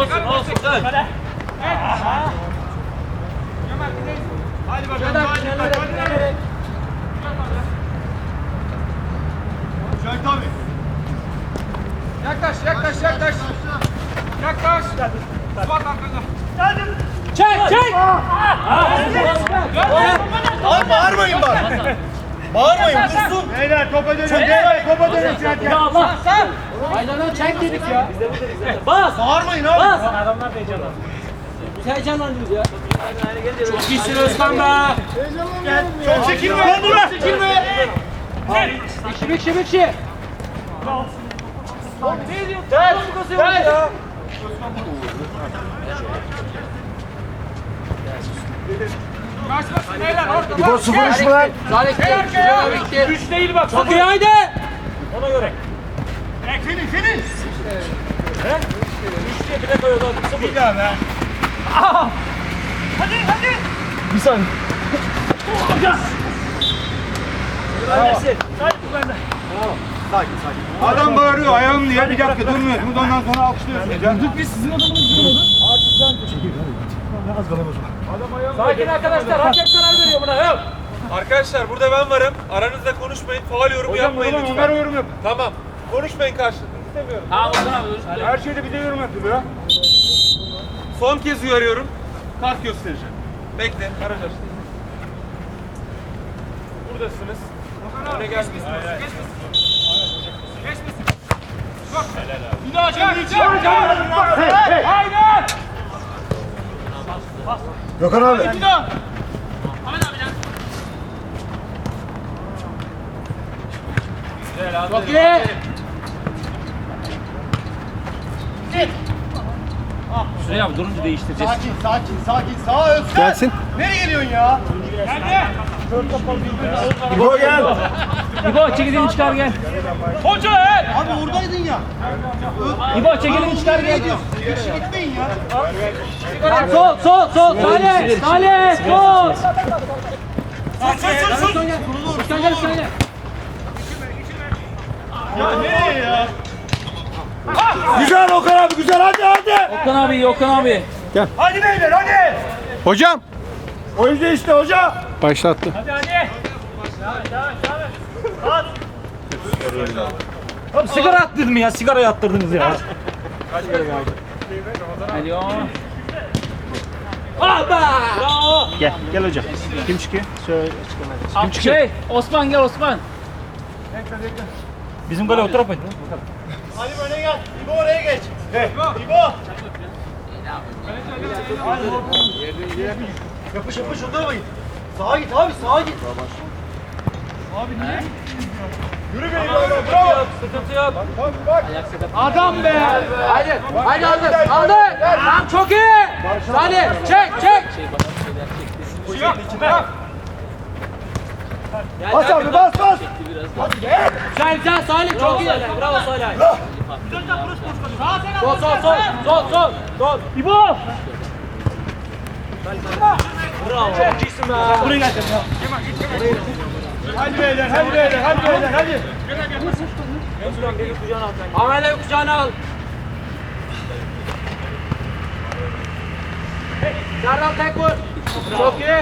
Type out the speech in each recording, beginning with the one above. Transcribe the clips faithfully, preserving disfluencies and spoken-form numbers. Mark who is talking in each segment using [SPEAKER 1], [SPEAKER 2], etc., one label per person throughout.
[SPEAKER 1] Olsun olsun. Hadi.
[SPEAKER 2] Hadi bakalım. Hadi bakalım. Şahit abi.
[SPEAKER 3] Yaklaş, yaklaş, yaklaş. Yaklaş. Suat arkada.
[SPEAKER 1] Çek çek.
[SPEAKER 2] Abi bağırmayın bak. Bağırmayın dursun. Beyler topa dönün. Beyler topa dönün.
[SPEAKER 1] Ya Allah. Aynen çek dedik ya. Biz de buradayız zaten. Bas.
[SPEAKER 2] Bağırmayın abi.
[SPEAKER 1] Bas. Adamlar da heyecanlandı. Biz heyecanlandınız ya. Çok iyisin Özkan be.
[SPEAKER 2] Çok çekilme. Çok çekilme.
[SPEAKER 1] Şibik şibik şi. Ne diyor? Ters. Ters.
[SPEAKER 3] Kaçmasın beyler. Orta.
[SPEAKER 2] İbo sıfır üç mü lan?
[SPEAKER 1] Salih bitti. Üç değil bak. Çok iyi haydi. Ona göre.
[SPEAKER 2] Finish finish.
[SPEAKER 1] Üç diye bile koyuyordu. Sıfır.
[SPEAKER 2] Bir daha be.
[SPEAKER 3] Hadi, hadi.
[SPEAKER 2] Bir saniye.
[SPEAKER 1] Önersin.
[SPEAKER 2] Sakin sakin. Adam bağırıyor ayağım diye bir dakika durmuyorsunuz ondan sonra alkışlıyorsunuz ya.
[SPEAKER 3] Biz sizin adamınız durmadı.
[SPEAKER 2] Az kalamaz.
[SPEAKER 1] Sakin arkadaşlar. Hakem karar veriyor buna. Yok.
[SPEAKER 4] Arkadaşlar burada ben varım. Aranızda konuşmayın. Faul yorumu yapmayın
[SPEAKER 2] Hocam
[SPEAKER 4] lütfen.
[SPEAKER 2] Ömer yorum yap.
[SPEAKER 4] Tamam. Konuşmayın karşılıklı. İstemiyorum.
[SPEAKER 1] Tamam Ozan abi. Özür dilerim.
[SPEAKER 2] Her şeyde bir de yorum yapıyor ya.
[SPEAKER 4] Son kez uyarıyorum. Kart göstereceğim. Bekle. Garaj açtı. Buradasınız. Öne gelmeyin.
[SPEAKER 3] Geçmesin. Çok. Bir daha çek. Haydi.
[SPEAKER 2] Gökhan abi.
[SPEAKER 3] Bir daha.
[SPEAKER 1] Çok iyi. Şuraya abi durunca değiştireceğiz.
[SPEAKER 2] Sakin sakin sakin. Sağa Özkan. Gelsin. Nereye geliyorsun ya?
[SPEAKER 3] Geldi.
[SPEAKER 2] İbo gel.
[SPEAKER 1] İbo çekilini çıkar gel.
[SPEAKER 3] Hoca el.
[SPEAKER 2] Abi oradaydın ya.
[SPEAKER 1] İbo çekilini çıkar gel.
[SPEAKER 2] Geçi gitmeyin ya.
[SPEAKER 1] Sol sol sol. Salih. Salih. Sol.
[SPEAKER 2] Sus sus sus.
[SPEAKER 1] Üstten gel üstten gel.
[SPEAKER 2] Ya nereye ya? Güzel Okan abi güzel hadi hadi.
[SPEAKER 1] Okan abi iyi Okan abi.
[SPEAKER 2] Hadi beyler hadi.
[SPEAKER 5] Hocam
[SPEAKER 2] Oyuncu işte hoca.
[SPEAKER 5] başlattı.
[SPEAKER 3] Hadi hadi.
[SPEAKER 1] Abi sigara attırdın ya? Sigara attırdınız ya. Alo. Aba! Bravo.
[SPEAKER 5] Gel gel hocam. Kim çıkıyor? Söyle.
[SPEAKER 1] Kim çıkıyor? Şey, Osman gel Osman. Bizim gole otur yapayım.
[SPEAKER 2] Ali öne gel. İbo oraya geç. Hey. İbo. Yapış yapış oturmayın. Sağa git abi sağa git. Abi niye? Yürü be İbo. Bravo.
[SPEAKER 1] Sıkıntı yok.
[SPEAKER 2] Bak bak.
[SPEAKER 1] Adam be. Haydi. Haydi aldı. Aldı. Tamam çok iyi. Salih çek çek.
[SPEAKER 2] Bas abi bas bas.
[SPEAKER 1] Güzel güzel Salih çok iyi. Bravo Salih. Sol sol sol sol sol sol. İbo. Bravo. Çok iyisin be. Buraya gel.
[SPEAKER 2] Hadi beyler hadi beyler hadi beyler hadi.
[SPEAKER 1] Ahmet'e kucağına al. Serdar tek vur. Çok iyi.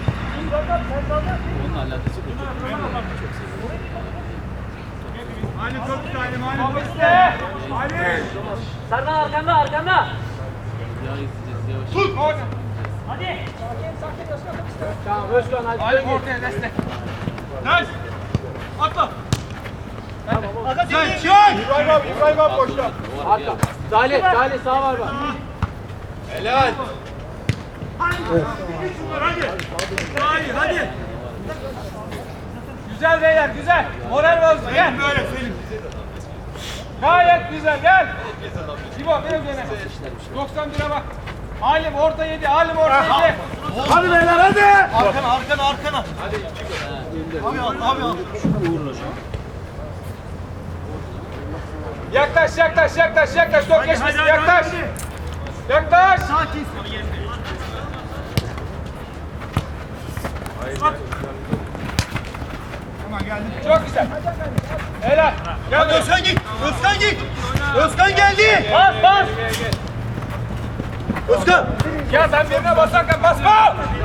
[SPEAKER 2] Ali çok güzel Ali.
[SPEAKER 3] Top iste.
[SPEAKER 2] Ali.
[SPEAKER 1] Serdar arkanda arkanda.
[SPEAKER 2] Tut.
[SPEAKER 3] Hadi.
[SPEAKER 1] Tamam Özkan hadi.
[SPEAKER 3] Ali ortaya destek. Nice. Atla.
[SPEAKER 2] Sen çık. İbrahim abi İbrahim abi boşta.
[SPEAKER 1] Arka. Salih Salih sağ var bak.
[SPEAKER 4] Helal.
[SPEAKER 3] Hadi. Hadi. Güzel beyler güzel. Moral bozdu gel.
[SPEAKER 2] Böyle Selim.
[SPEAKER 3] Gayet güzel gel. İbo biraz öne. doksan bire bak. Halim orta yedi. Halim orta yedi.
[SPEAKER 2] Hadi beyler hadi. Arkana arkana arkana. Hadi. Abi al abi al.
[SPEAKER 3] Yaklaş yaklaş yaklaş yaklaş. Top geçmesin yaklaş. Yaklaş.
[SPEAKER 2] Sakin. Tamam geldim.
[SPEAKER 3] Çok güzel. Helal.
[SPEAKER 2] Hadi Özkan git. Özkan git. Özkan geldi.
[SPEAKER 3] Bas bas.
[SPEAKER 2] Özkan.
[SPEAKER 3] Ya ben birine basarken basma.